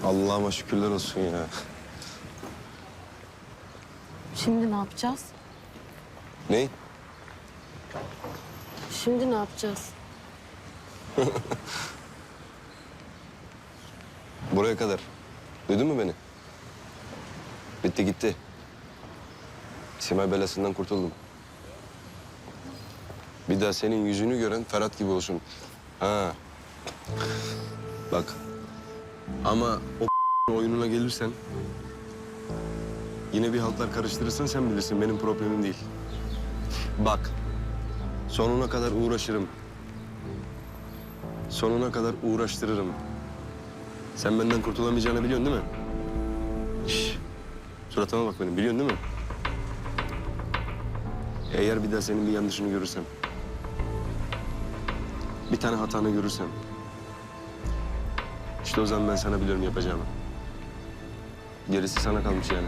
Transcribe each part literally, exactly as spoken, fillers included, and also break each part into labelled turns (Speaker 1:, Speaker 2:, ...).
Speaker 1: Allah'ıma şükürler olsun ya.
Speaker 2: Şimdi ne yapacağız?
Speaker 1: Ne?
Speaker 2: Şimdi ne yapacağız?
Speaker 1: Buraya kadar. Duydun mu beni? Bitti gitti. Simay belasından kurtuldum. Bir daha senin yüzünü gören Ferhat gibi olsun. Ha. Bak. Ama o oyununa gelirsen... Yine bir haltlar karıştırırsan sen bilirsin. Benim problemim değil. Bak. Sonuna kadar uğraşırım. Sonuna kadar uğraştırırım. Sen benden kurtulamayacağını biliyorsun değil mi? Şş. Suratıma bak benim. Biliyorsun değil mi? Eğer bir daha senin bir yanlışını görürsem... Bir tane hatanı görürsem... İşte o zaman ben sana biliyorum yapacağımı. Gerisi sana kalmış yani.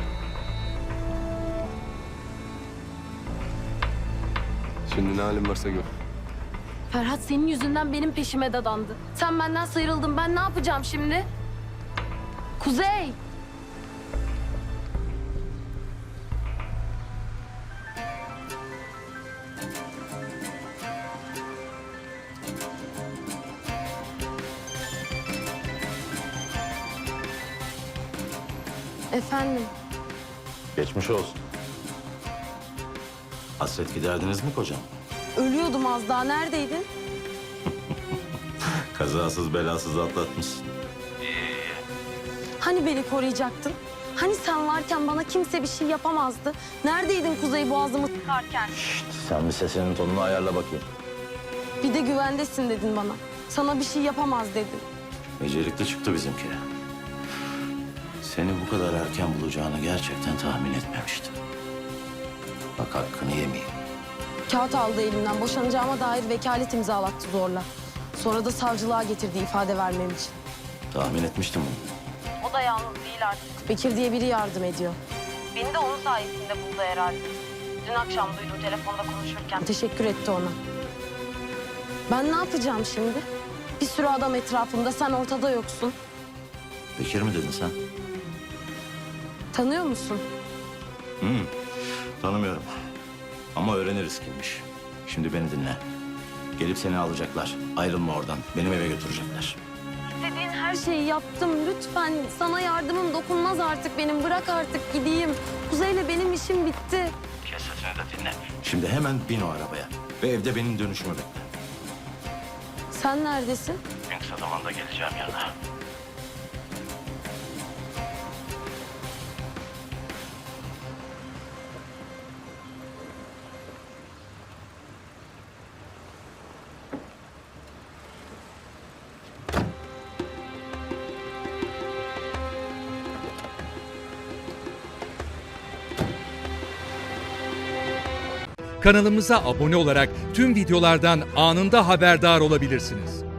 Speaker 1: Şimdi ne halin varsa gör.
Speaker 2: Ferhat senin yüzünden benim peşime dadandı. Sen benden sıyrıldın. Ben ne yapacağım şimdi? Kuzey! Efendim?
Speaker 3: Geçmiş olsun. Hasret giderdiniz mi kocam?
Speaker 2: Ölüyordum az daha. Neredeydin?
Speaker 3: Kazasız belasız atlatmışsın.
Speaker 2: Hani beni koruyacaktın? Hani sen varken bana kimse bir şey yapamazdı? Neredeydin Kuzey boğazımı sıkarken?
Speaker 3: Şşt, sen bir sesinin tonunu ayarla bakayım.
Speaker 2: Bir de güvendesin dedin bana. Sana bir şey yapamaz dedin.
Speaker 3: Becerikli çıktı bizimki. Seni bu kadar erken bulacağını gerçekten tahmin etmemiştim. Bak hakkını yemeyeyim.
Speaker 2: Kağıt aldı elimden. Boşanacağıma dair vekalet imzalattı zorla. Sonra da savcılığa getirdi ifade vermem için.
Speaker 3: Tahmin etmiştim bunu.
Speaker 2: O da yalnız değil artık. Bekir diye biri yardım ediyor. Beni de onun sayesinde buldu herhalde. Dün akşam duydum telefonda konuşurken. Teşekkür etti ona. Ben ne yapacağım şimdi? Bir sürü adam etrafımda, sen ortada yoksun.
Speaker 3: Bekir mi dedin sen?
Speaker 2: Tanıyor musun?
Speaker 3: Hı, tanımıyorum. Ama öğreniriz kimmiş. Şimdi beni dinle. Gelip seni alacaklar. Ayrılma oradan. Benim eve götürecekler.
Speaker 2: İstediğin her şeyi yaptım. Lütfen sana yardımım dokunmaz artık benim. Bırak artık gideyim. Kuzey'le benim işim bitti.
Speaker 3: Kes sesini de dinle. Şimdi hemen bin o arabaya. Ve evde benim dönüşümü bekle.
Speaker 2: Sen neredesin?
Speaker 3: En kısa zamanda geleceğim yanına.
Speaker 4: Kanalımıza abone olarak tüm videolardan anında haberdar olabilirsiniz.